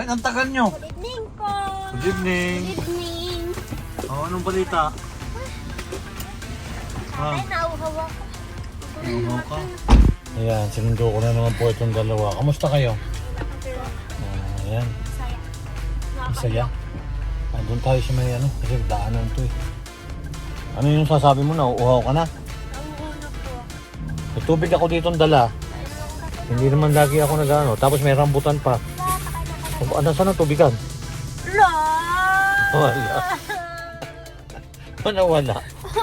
Bakit ang tagal nyo? Good evening po. Good evening. Good evening. Anong balita? Ay, nauhaw ako. Ano ka? Ayan, sinundo ko na naman po itong dalawa. Kamusta kayo? Ayan. Masaya. Doon tayo sa may ano, kasi daanan to eh. Ano yung sasabi mo na? Uuhaw ka na? Ang ulo po. May tubig ako dito dala. Hindi naman lagi ako nag-ano. Tapos may rambutan pa. Ano, saan ang tubigan? La! Wala. Nawala.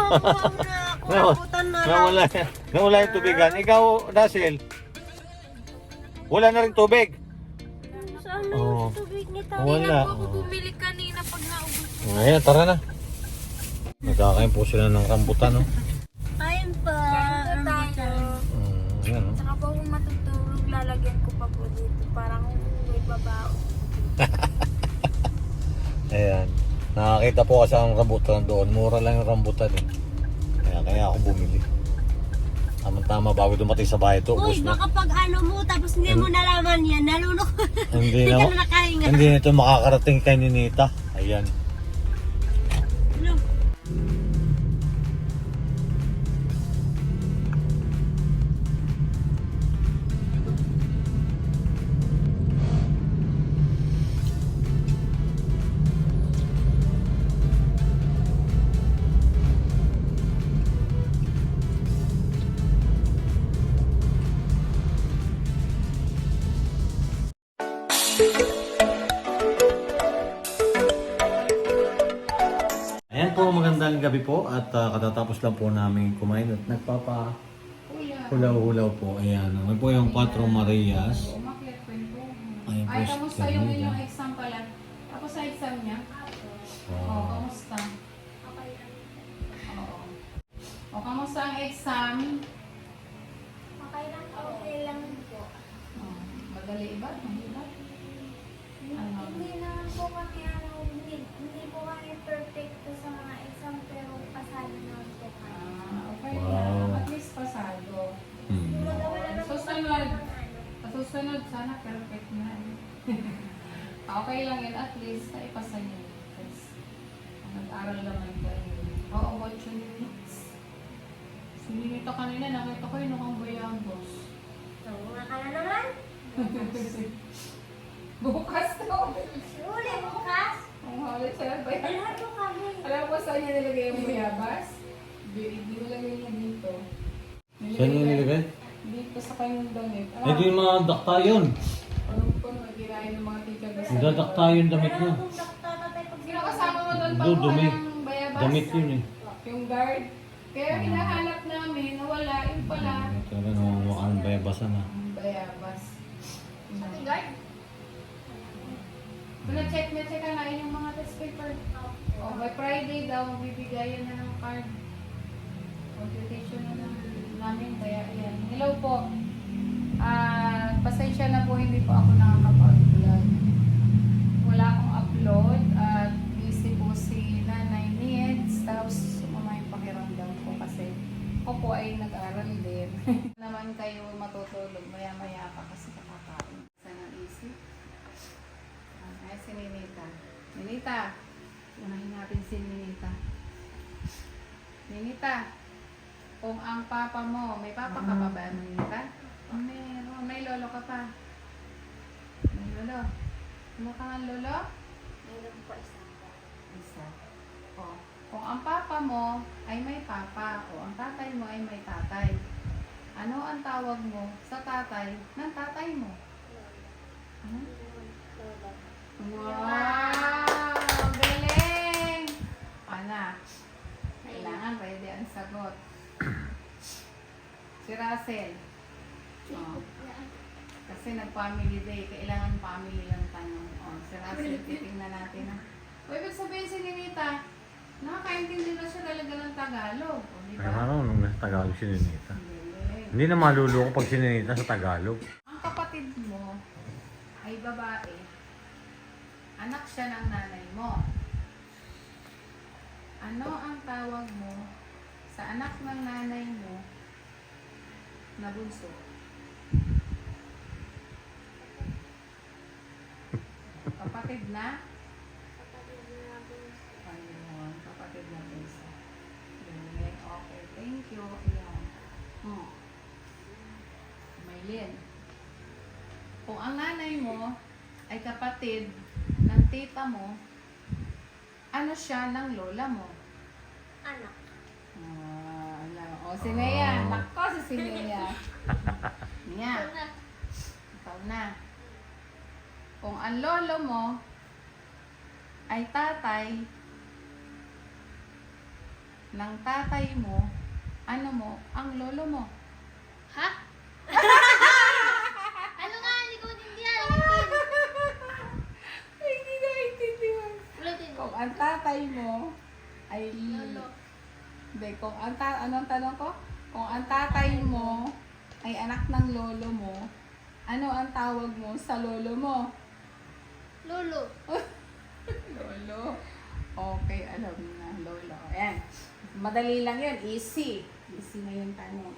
Nawala. Nawala yung tubigan. Ikaw, Russell, wala na rin tubig. Saan na Oo. yung tubig ni Tao? Wala. Ako bumili kanina pag naubos. Ayan, tara na. Nagkakain po sila ng rambutan, no? Ayun pa. tayo. Ayan, no? Saka po kung matutulog, lalagyan ko pa po dito. Parang may babao. Ayan. Nakakita po kasi ang rambutan doon. Mura lang yung rambutan, eh. Kaya ako bumili. Tama-tama bago dumating sa bahay ito. Uy, Ubus na. baka pag ano mo, tapos hindi mo nalaman yan, nalunok. Hindi Hindi na. ka na nakahinga. Hindi na ito makakarating kay Ninita. Ayan. Ano? Ayan po, magandang gabi po at katatapos lang po namin kumain at nagpapa-hulaw-hulaw po. Ayan, naman po yung 4 Marias. Umakyat ko yung buhok. Ayun po Ay, si kamusta yung Ternida. inyong exam pala? Tapos sa exam niya? Oo, kamusta? Oo. O, kamusta ang exam? Okay lang po. Oh, madali ba? Mahirap? Ano? Hindi naman po kami hindi po kami perfecto sa mga exam pero pasado naman po kami. Okay Wow. lang. At least pasado. Hmm. Susunod. Sa susunod, sana perfect na. Okay lang yun. At least, naipasa niyo. Kasi, nag-aral naman kayo. Oo, watch your needs. Sinilito kanina, nakita ko yung nukang bayagos. Tunga ka na naman. Bukas to. Uli bukas. Ang huli siya, bayagos. Lahat mo kami. Alam ko saan niya nilagay yung bayabas? Nilagay niya dito. Saan yung nilagay? Dito sa kanyang damit. Eh di mga dakta yun. Alam ko, nagkirain ng mga teacher. Dadakta yung damit niya. Kung tatay pag Kinakasama mo doon pag Dumi. ng bayabas? Damit yun eh. Yung guard. Kaya hinahanap namin, nawala. Yung pala. Talaga namamukha ng bayabasan na. Ang bayabas. Pati guard? Kung na-check ka na yung mga test paper. O, by Friday daw, mabibigayan na ng card. Computation na lang namin, kaya yan. Hello po. Pasensya na po, hindi po ako nakakapag-vlog. Wala akong upload at busy po si Nanay Needs. Tapos sumama yung pakiramdam ko kasi ako po ay nag-aral din. Naman kayo matutulog, maya-maya pa kasi kakakain. Sana isip. Ay, si Ninita. Ninita, unahin natin si Ninita. Ninita, kung ang papa mo, may papa ka pa ba, Ninita? Meron, may lolo ka pa. May lolo. Ano ka nga, lolo? Meron po isang po. Isa. O, kung ang papa mo ay may papa, o ang tatay mo ay may tatay, ano ang tawag mo sa tatay ng tatay mo? Ano? Wow! Galing! Ana, kailangan pwede ang sagot. Si Russell. Oh. Kasi nag-family day, kailangan family lang tanong. Oh, si Russell, titingnan natin ha. O, ibig sabihin si Ninita, nakakaintindi na siya talaga ng Tagalog. O, di Ay, ba? marunong na sa Tagalog si Ninita. Galing. Hindi na maluloko pag si Ninita sa Tagalog. Ang kapatid mo ay babae. Anak siya ng nanay mo. Ano ang tawag mo sa anak ng nanay mo na bunso? O, Kapatid na? Kapatid na bunso. Ayun, kapatid na bunso. Yun, okay, thank you. Ayan. Maylin. Kung ang nanay mo ay kapatid ng tita mo, ano siya ng lola mo? Anak. O, si Nea. Oh. Nako, si Nea. Nia, Ito na. ikaw na. Kung ang lolo mo ay tatay ng tatay mo, ano mo ang lolo mo? Ha? Ano nga? Hindi ko maintindihan. Ay, hindi na intindihan. Ulitin mo. Kung ang tatay mo ay... Lolo. Hindi, kung ang anong tanong ko? Kung ang tatay mo ay anak ng lolo mo, ano ang tawag mo sa lolo mo? Lolo. Lolo. Okay, alam na, lolo. Ayan. Madali lang yun. Easy. Easy na yung tanong.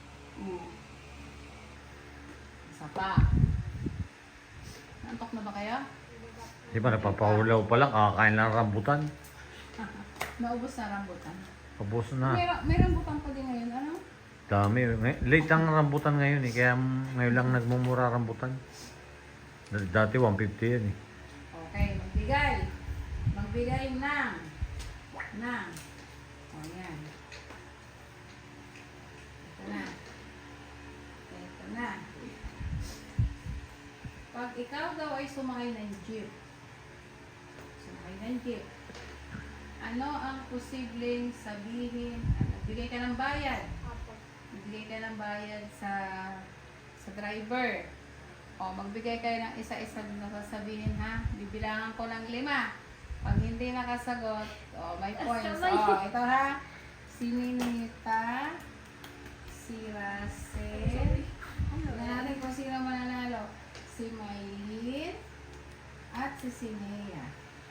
Isa pa. Nantok na ba kayo? Di ba napapahulaw pa lang, kakakain lang ng rambutan. Naubos na rambutan. Pabos na. May rambutan pa din ngayon. Ano? Dami. Late ang rambutan ngayon eh, kaya ngayon lang nagmumura rambutan. Dati 150 yan eh. Okay, magbigay. Magbigay ng. O, yan. Ito na. Ito na. Pag ikaw daw ay sumakay ng jeep, ano ang posibleng sabihin? Bigay ka ng bayad. Apo. Magbigay ka ng bayad sa driver. O, magbigay kayo ng isa-isa na sasabihin, ha? Bibilangan ko ng 5. Pag hindi nakasagot, may points. Ito ha. Si Ninita, si Russell. Tingnan natin kung sino mananalo. Si Maylin at si Sinea.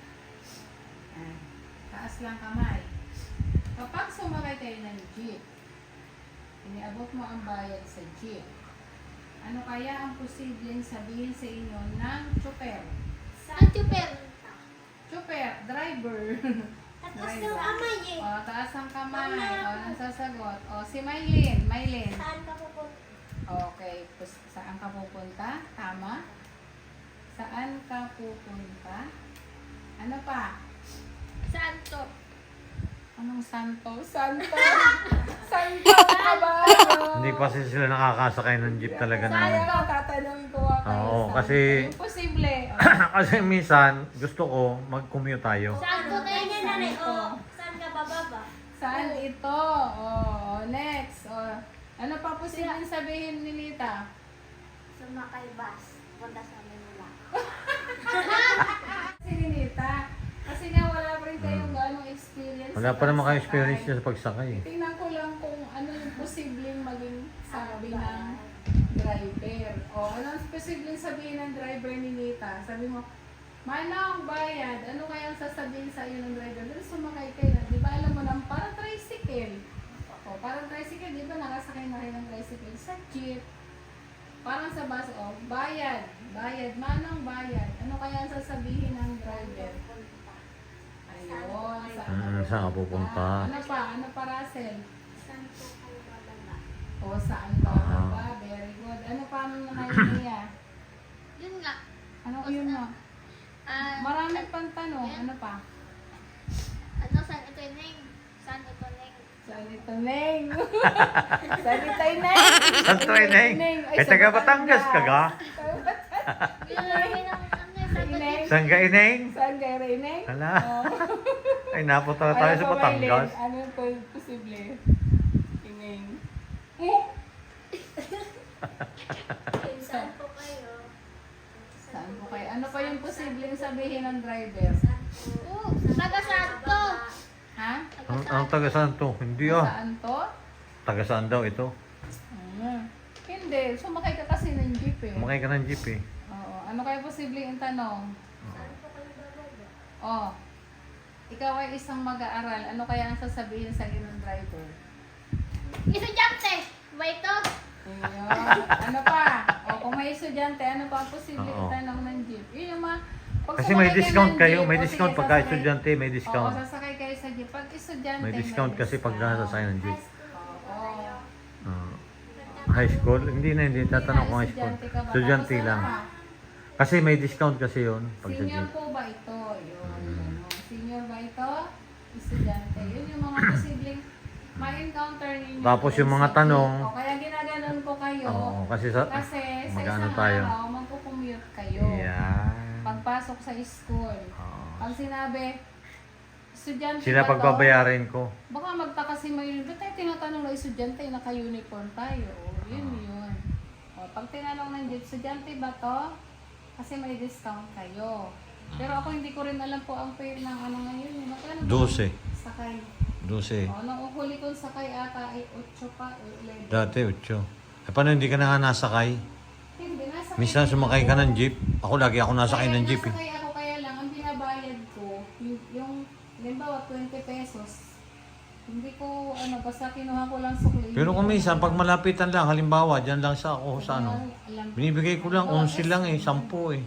Taas lang kamay. Kapag sumakay kayo ng jeep, iniabot mo ang bayad sa jeep, ano kaya ang posibleng sabihin sa inyo ng chopper? Saan super? Chopper, driver. Tapos yung kamay eh. O, taas ang kamay. O, nang sasagot. O, si Maylin. Saan ka pupunta? Okay. Saan ka pupunta? Tama? Saan ka pupunta? Ano pa? Saan to? Anong santo? Santo! Santo ka ba? Hindi pa sila nakakasakay ng jeep talaga na. Sayang, tatanungin ko nga kayo. Oo, Santo. kasi- Imposible. Kasi minsan, gusto ko mag-commute tayo. Saan to na Ganyan na rin. Ito. Oh, saan ka bababa? Saan ito? Next. Ano pa posibleng sabihin ni Lita? Sumakay bus. Punta sa Manila. Si Lita. Kasi nga wala pa rin kayong ganong experience. Wala sa pa naman kayo pagsakay. experience niya sa pagsakay eh. Tingnan ko lang kung ano yung posibleng maging sabi ng driver. Ano ang posibleng sabihin ng driver ni Lita? Sabi mo, Manong, bayad. Ano kaya ang sasabihin sa iyo ng driver? Dahil sumakay kayo na. Di ba alam mo nang parang tricycle? Parang tricycle. Di ba nakasakay na kayo ng tricycle sa jeep? Parang sa bus. Bayad. Bayad. Manong, bayad. Ano kaya ang sasabihin ng driver? Ayun. Saan ka pupunta? Ano pa? Ano pa, Russell? Saan po kayo bababa? Saan ka ba? Very good. Ano pa ang niya? Yun nga. Ano yun na? Marami pang tanong. Ayan. Ano pa? Ano, saan ito Neng? Saan ito Neng? Saan ito, Neng? Saan ito, Neng? Saan to, Neng? Eh, taga Batangas ka ga? Yun namin ang ano, saan ito Neng? Saan ka, Ineng? Saan kayo, Neng? Hala. Ay, napunta na tayo sa Batangas. Ano yung posible? Neng? Saan po kayo? Saan po kayo? Ano pa yung posibleng sabihin ng driver? Saan po? Oh, taga saan to? Ha? Ang taga saan to? Hindi ah. Saan to? Taga saan daw ito? Hindi. Sumakay ka kasi ng jeep eh. Kumakay ka ng jeep eh. Oo. Ano kaya posibleng tanong? Saan po kayo bababa? Ikaw ay isang mag-aaral. Ano kaya ang sasabihin sa iyo ng driver? Estudyante! Ba ito? Ayun. Ano pa? Kung may estudyante, ano pa ang posibleng Oo. tanong ng jeep? Yun yung mga Pag Kasi may sumakay discount ng kayo, jeep, may o discount sige, pagka sasakay- estudyante, may Oo, discount. sasakay kayo sa jeep. Pag estudyante, May discount kasi pag sasakay ng jeep. Oo. High school? Hindi na, hindi. Tatanong ko high school. Estudyante ka ba? Estudyante Tapos ano lang. pa? Kasi may discount kasi yun. Pag sa Senior jeep. po ba ito? Yun. Senior ba ito? Estudyante. Yun yung mga posibleng ma-encounter ninyo. Tapos yung mga sa jeep. tanong. O, kaya ginaganon ko kayo. Oo, kasi sa... Kasi sa Mag-ano isang tayo? araw, magkukommute kayo. Yan. Pagpasok sa school. Oo. Pag sinabi, estudyante Sila ba to? pagbabayarin ko. Baka magtaka si Maylin, ba't tayo tinatanong na estudyante, naka-uniform tayo? O, yun yun. O, pag tinanong ng jeep, estudyante ba to? Kasi may discount kayo. Pero ako hindi ko rin alam po ang fare ng ano ngayon. Magkano ba? 12. Sakay. 12. O, nung huli kong sakay ata ay 8 pa o 11. Dati 8. Eh paano hindi ka na nga nasakay? Hindi, nasakay. Minsan sumakay ka ng jeep. Ako lagi ako nasakay ng jeep eh. Nasakay ako kaya lang, ang binabayad ko, yung limbawa 20 pesos. Hindi ko, basta kinuha ko lang sukli. Pero kung minsan, pag malapitan lang, halimbawa, dyan lang sa ako sa ano, binibigay ko lang, 11 lang eh, 10 eh.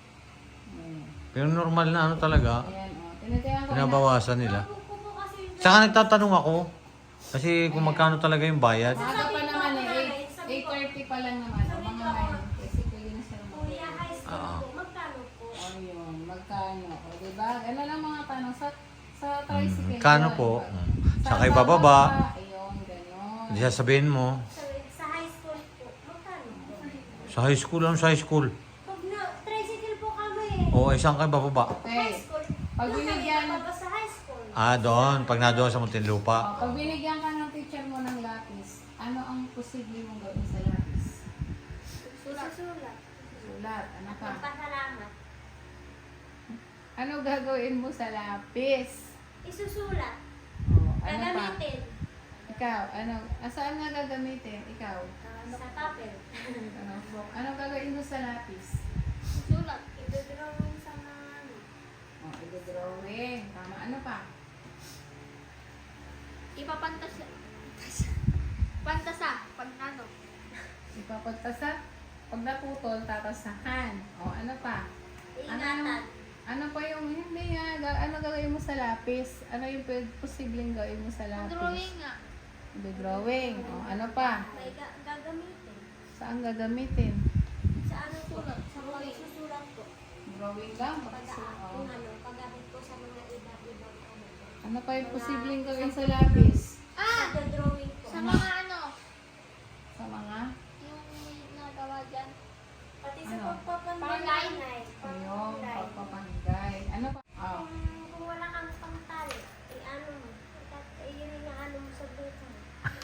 Pero normal na ano talaga, Ayan, tinitiyan ko. pinabawasan nila. Ko po kasi yung Tsaka nagtatanong ako, kasi kung magkano talaga yung bayad. Maaga pa naman eh, 8:30 pa lang naman. O mga 9, kasi pwede na siya kuya lumabas. high school po, magkano po? O yun, magkano? O diba? Gano'n lang mga tanong sa tricycle. Kano yun, po? diba? Sakay bababa. Ayun, gano'n. Hindi sasabihin mo, Sa high school po, magkano po? sa high school, ano sa high school? Pag na, tricycle po kami. O, isang kay bababa. High Okay. school. Pag binigyan, Pa ba sa high school? Doon, pag nadoon sa Muntinlupa. pag binigyan ka ng teacher mo ng lapis, ano ang posible mong gawin sa lapis? Susulat. Sulat. Ano pa? Magpasalamat. Ano gagawin mo sa lapis? Isusulat. O, ano pa? Gagamitin. Ikaw, saan nga gagamitin? Ikaw? Sa papel. Ano gagawin mo sa lapis? Susulat. Ito-drawing sa mga ano. O, i-drawing. Tama. Ano pa? Ipapantasa. Pantasa. Pag ano. Ipapagtasa. Pag naputol, tatasahan. O, ano pa? Iingatan. Ano pa yung, hindi nga, ano gagawin mo sa lapis? Ano yung posibleng gawin mo sa lapis? Drawing nga. I-drawing. O, ano pa? May gagamitin. Saan gagamitin? Sa ano sulat? Sa mga isusulat ko. Drawing lang. Pag O, kung ano, paggamit ko sa mga iba-ibang ano. ano pa yung posibleng gawin sa lapis? Drawing ko. Sa mga ano, Sa mga? yung nagawa dyan. Pati sa Ano? pagpapanday. Ayun, pagpapanggay. Ano pa? Oh. Kung wala kang pangtali, ano mo. Yun yung ano mo sa buto mo.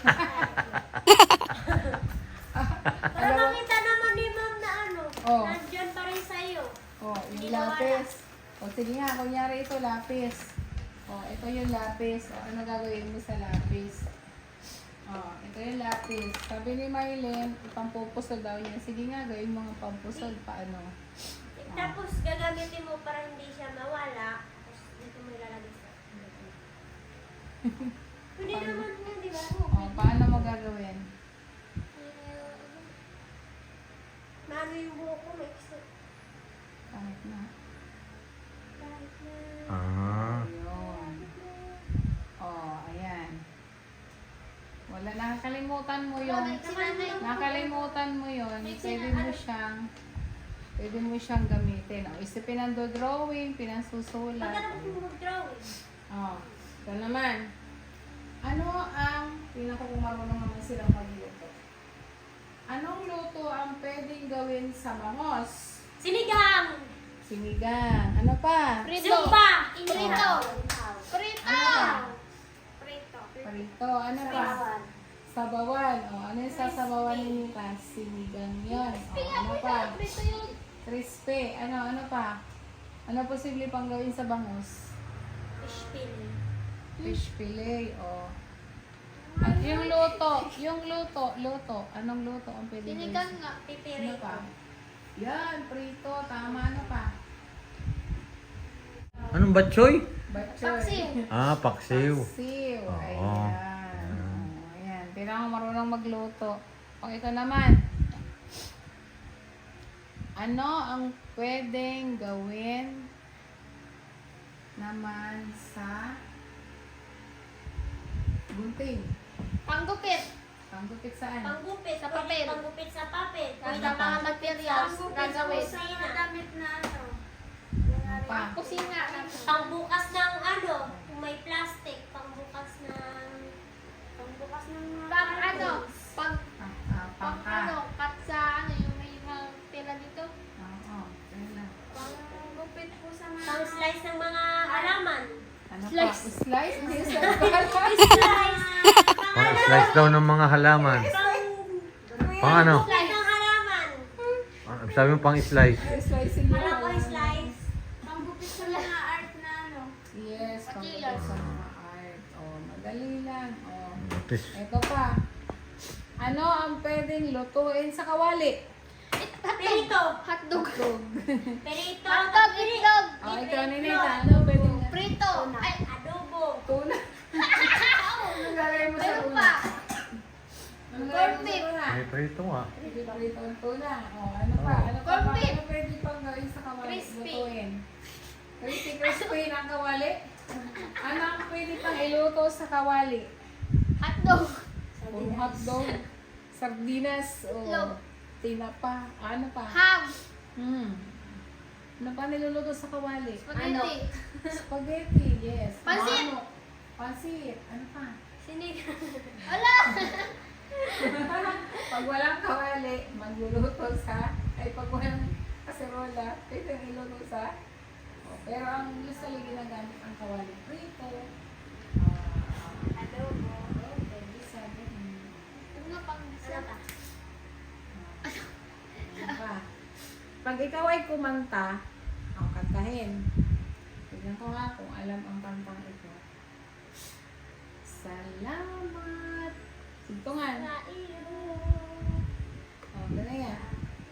Para makita naman ni ma'am na ano, Oh. nandyan pa rin sa'yo. Oh, Hindi yung lapis. O, sige nga, kunyari ito, lapis. O, ito yung lapis. O, ano gagawin mo sa lapis? O, ito yung lapis. Sabi ni Mylene, ipampupusod daw yan. Sige nga, gawin mo nga pampusod. Paano? Tapos gagamitin mo para hindi siya mawala. Tapos dito mo ilalagay sa Pwede naman yun, di ba? O, paano mo gagawin? Mano yung buhok ko, may extra. Kahit na. Kahit na. Ayun. O, ayan. Wala, nakakalimutan mo yun. Nakalimutan mo yun. Pwede mo siyang gamitin. O, isipin ang drawing, pinasusulat. Magkano mo mag-drawing? O, ito naman. Ano ang, tingnan ko kung marunong naman silang magluto. Anong luto ang pwedeng gawin sa bangos? Sinigang! Sinigang. Ano pa? Zumba! Prito! Ano pa? Prito. Parito. Ano pa? Sabawan. O, ano yung sasabawan ninyo ka? Sinigang yun. O, ano pa? Prito yun. Crispy. Ano pa? Ano posible pang gawin sa bangus? Fish fillet. Fish fillet. O. At yung luto. Luto. Anong luto ang pwede gawin? Sinigang nga. Ano Pipirito. pa? Yan, prito. Tama. Ano pa? Anong batchoy? Batchoy. Paksiw. Paksiw. Oo. Ayan. Ayan. Kailangan marunong magluto. O ito naman. Ano ang pwedeng gawin naman sa gunting? Panggupit. Panggupit saan? Panggupit. Sa papel. Panggupit sa papel. Sa Pwede mga materials Panggupit sa gagawin. kusina. damit na ano. Ano pa? Kusina. Pangbukas ng ano, kung may plastic. Pangbukas ng Pang ano. Pang Pangka. ano. Cut sa ano. Yung may mga tela dito. Oo. Tela. Panggupit po sa mga. pang slice ng mga halaman. Ano Slice. pa? Slice? Hindi slice pa. Slice. Pang-slice daw ng mga halaman. Pang ano? Slice ng halaman. Sabi mo pang-slice. Slice yung Alam ko slice. Panggupit sa mga art na ano. Yes, panggupit sa mga art. Oh, madali lang. Oh. Tis. Ito pa. Ano ang pwedeng lutuin sa kawali? Perito. Hotdog. Tug. Perito. Hotdog. Itlog. Oh, ikaw Ninita. Ano pwedeng Prito. Ay. Adobo. tuna? Anong gagawin mo sa Meron tuna? pa. Anong gagawin mo sa Corned beef. tuna? May prito nga. Prito ang tuna. Oh, ano pa? Ano pa? Corned beef. Ano pwede pang gawin sa kawali? Crispy. Lutuin. Crispy ng kawali? Ano ang pwede pang iluto sa kawali? Hotdog. Puro hotdog, sardinas, Itlog. o tinapa, ano pa? Ham. Ano pa niluluto sa kawali? Spaghetti. Spaghetti, yes. Pansit. Ano? Pansit. Ano pa? Sinigang. Wala. Pag walang kawali, magluluto sa, pag walang kaserola, pwede iluto sa, pero ang usually ginagamit ang kawali. Prito. Adobo. Pwede sa Ano pang Ano pa? Ano pa? Pag ikaw ay kumanta, kantahin. Tignan ko nga kung alam ang kantang ito. Salamat. Sintungan. Sa iyo. Ganun yan.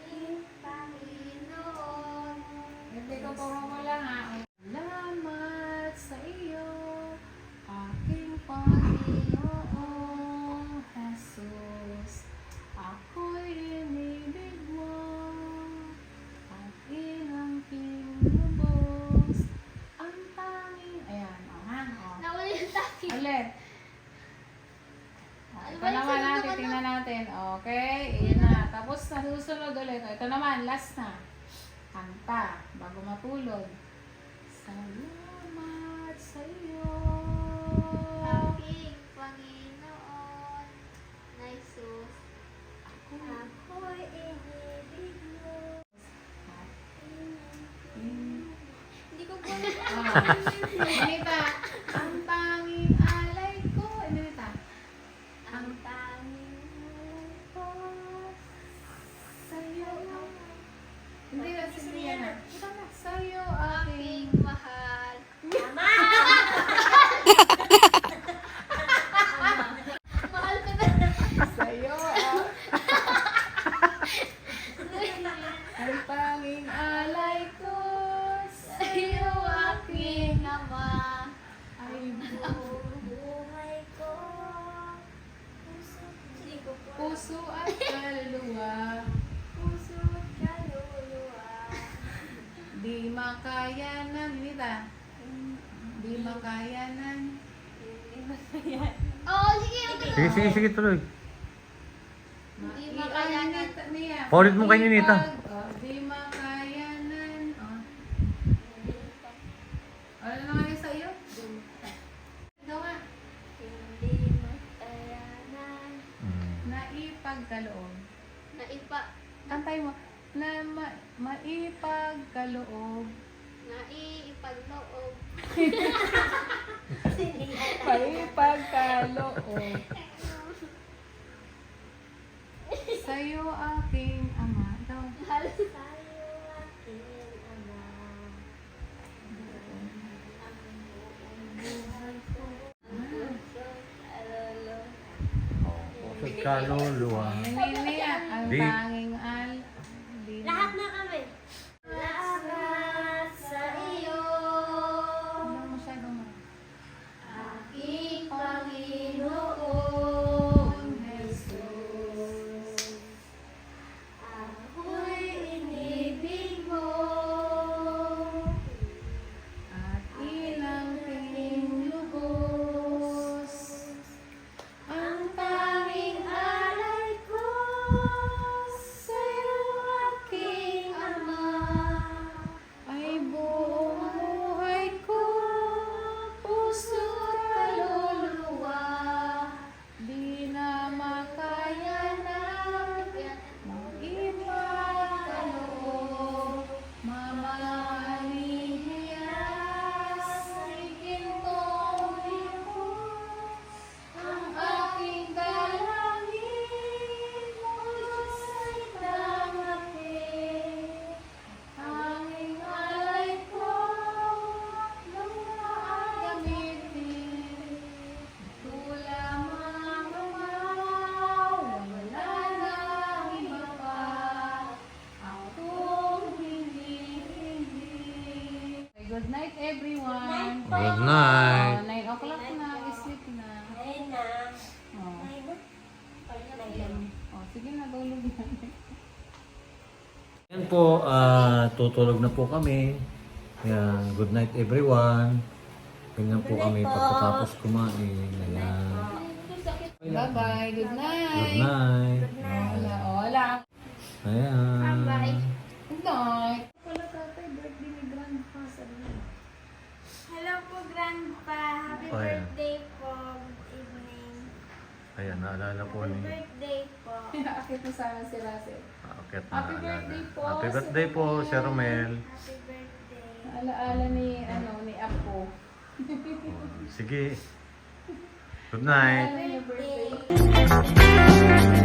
Panginoon. Hindi ko turo mo lang ha. Salamat sa iyo, aking Panginoong Jesus. Ako'y inibig mo, at inangking lubos, ang tanging... Ayan, Nawala yung taki. Ulit. Ano Ito ba yung naman sunod natin, naman tingnan natin. Okay, iyan na. Tapos nasusunod ulit. Ito naman, last na. Kanta, bago matulog. Salamat sa iyo. Aking Panginoon na Jesus. Ako'y inibig mo. Hindi ko po alam. Anita, ang tanging alay ko. Anita, Ang tanging ko. sa iyo. Hindi na, sige na. Sa iyo, Aking aking mahal. Tama! Mahal ko na. sa iyo, ang tanging alay ko. Sa iyo, aking Ama. ay Buhay ko. Hindi ko po. puso at kaluluwa. Puso at kaluluwa. Di makayanan, Nita. Di makayanan. Oo, sige. Okay. Sige, tuloy. Di makayanan. Niya. Paulit mo kay Ninita. Di makayanan. Ano naman yung sa'yo? Ikaw nga. Hindi matayanan. Naipagkaloob. Naipa. Kantay mo. Maipagkaloob. Naiipagloob. Maipagkaloob. Sa'yo aking ama. Ikaw. Mahal. Tayo aking ama. Pusod kaluluwa. Niya, ang Di. tanging di Lahat na kami. Lahat sa iyo. Ano masyadong Aking Panginoon Jesus. Ako'y inibig mo. Good night. 9 o'clock na, sleep na. Ayun na. Oh. Ayun na. Oh, sige na, tulog na. Yan po, tutulog na po kami. Yan, good night everyone. Ganyan po kami pagkatapos kumain. Ayan. Bye-bye, good night. Good night. Wala, wala. Ayan. Good night. Wala tatay, birthday ni Grandpa. Sabi niya. Hello po, Grandpa. Happy Oh, yeah. birthday po. Good evening. Ayan, naalala po Happy ni... birthday po. Akit mo sana si Russell. Akit na Happy naalala. birthday po, Happy Sir birthday po, Romel. Sir Romel. Happy birthday. Alaala ni, ni Apo. Sige. Good night. Alaala niya birthday.